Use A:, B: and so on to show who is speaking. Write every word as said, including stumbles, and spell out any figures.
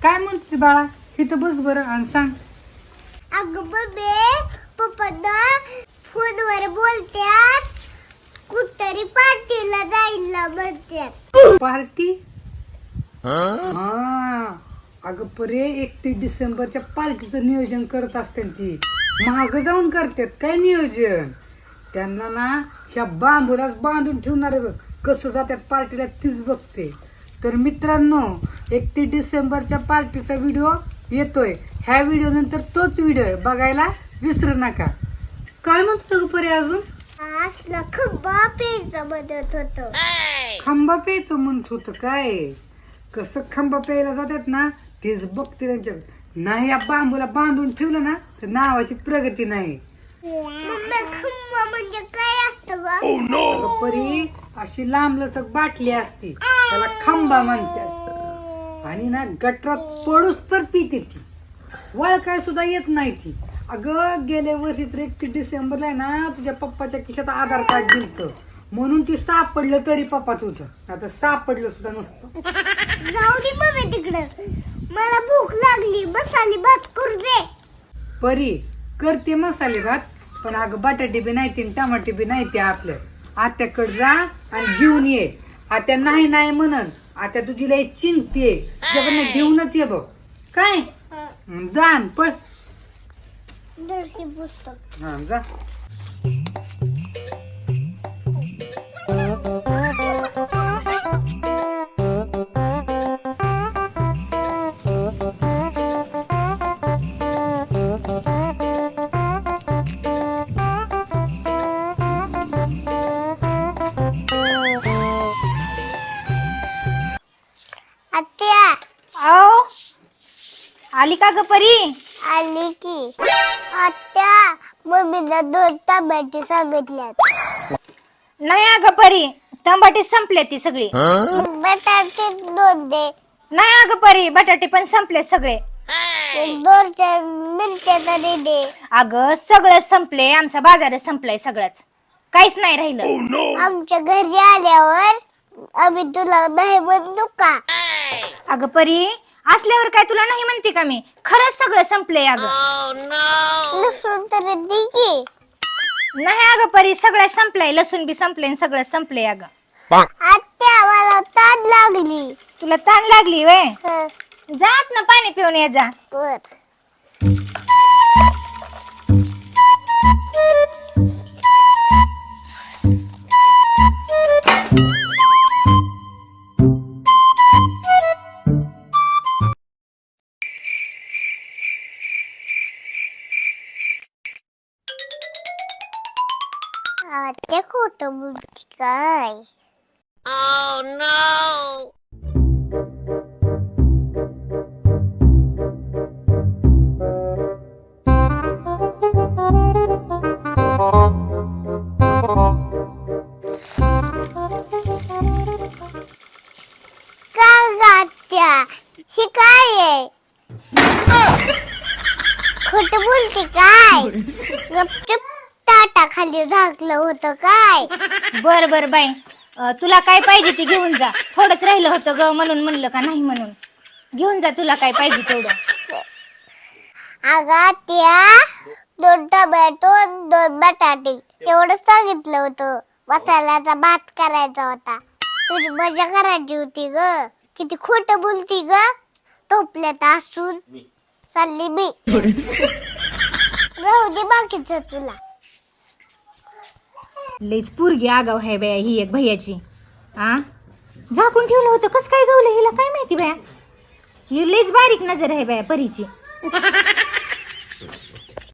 A: काय म्हणते बाळा इथं बस बरं आणि सांग.
B: अगं बबे पप्पा फोनवर बोलत्यात कुठतरी पार्टीला जायला म्हणतात.
A: पार्टी? हा अगं परे एकतीस डिसेंबरच्या पार्टीचं नियोजन करत असते ती. महाग जाऊन करतात काय नियोजन. त्यांना ना ह्या बांबूलाच बांधून ठेवणार आहे बघ. कसं जातात पार्टीला तीच बघते. तर मित्रांनो एकतीस डिसेंबरच्या पार्टीचा व्हिडिओ येतोय. ह्या व्हिडिओ नंतर तोच व्हिडिओ आहे बघायला विसरू नका. काय म्हणतो ग परे अजून?
B: असला खंबा प्यायचं म्हणत होतं.
A: खांबा प्यायचं म्हणत होतं काय. कसं खांबा प्यायला जातात ना तेच बघते त्यांच्या. नाही या बांबूला बांधून ठेवलं ना तर नावाची प्रगती नाही.
B: मम्मी खंबा म्हणजे काय असतं ग?
A: अगं परी अशी लांब लचक बाटली असती त्याला खांबा म्हणतात. आणि ना गटरात पडूस तर पिते ती. वळखाय सुद्धा येत नाही ती. अगं गेल्या वर्षी तर एकतीस डिसेंबरला आहे ना तुझ्या पप्पाच्या खिशात आधार कार्ड दिलतं म्हणून ती सापडलं तरी पप्पा तुझं. आता सापडलं सुद्धा नसतं.
B: जाऊ दे मम्मी तिकडं. मला भूक लागली मसाले भात करू दे.
A: परी करते मसाले भात पण अगं बटाटे बी नाही ती टमाटे बी नाही ते आपल्या. आत्याकडे जा आणि घेऊन ये. आत्या नाही नाही म्हणन. आत्या तुझी लय चिंते तुझ्याकडनं घेऊनच ये बघ काय. जा न पळ.
B: दर्शी पुस्तक
A: हा जा.
B: आत्या
C: आओ आली का ग परी?
B: आली की. आत्या मम्मीला दोन टमाटे सांगितल्यात.
C: नाही अगं परी टमाटे संपले ती सगळी.
B: बटाटे दोन दे.
C: नाही अगं परी बटाटे पण संपले सगळे.
B: दोनच्या मिरच्या तरी दे.
C: अगं सगळं संपले. आमचा बाजार संपलाय सगळंच. काहीच नाही राहिलं.
B: आमच्या घरी आल्यावर आम्ही तुला नाही म्हणतो का?
C: अगं परी असल्यावर काय तुला नाही म्हणते का मी. खरंच सगळं संपलंय अगं.
B: लसूण तरी दे की.
C: नाही अगं परी सगळं संपलंय. लसूण बी संपले आणि सगळं संपलंय अगं.
B: आत्या मला ताण लागली.
C: तुला ताण लागली वय.
B: हं,
C: जात ना पाणी पिऊन ये जा.
B: बर. आत्या खोटं बोलती काय? काय ग आत्या ही काय आहे? खोटं बोलते काय? गपचूप ताटा खाली झाकलं होतं काय?
C: बर बर बाई अं, तुला काय पाहिजे ते घेऊन जा. थोडंच राहिलं होतं ग म्हणून म्हणलं का नाही म्हणून. घेऊन जा तुला काय पाहिजे तेवढं.
B: अगं आत्या दोन टोमॅटो दोन बटाटे तेवढं सांगितलं होतं. मसाल्याचा भात करायचा होता. तुझी मजा करायची होती ग. किती खोटं बोलती ग. टोपल्यात असून चालली मी. राहू दे बाकीचं तुला.
C: लईच पोरगी आगाव आहे बाया ही एक भैयाची. आ झाकून ठेवलं होतं कस काय गवलं हिला काय माहिती बाया. ही लईच बारीक नजर आहे बाया परीची.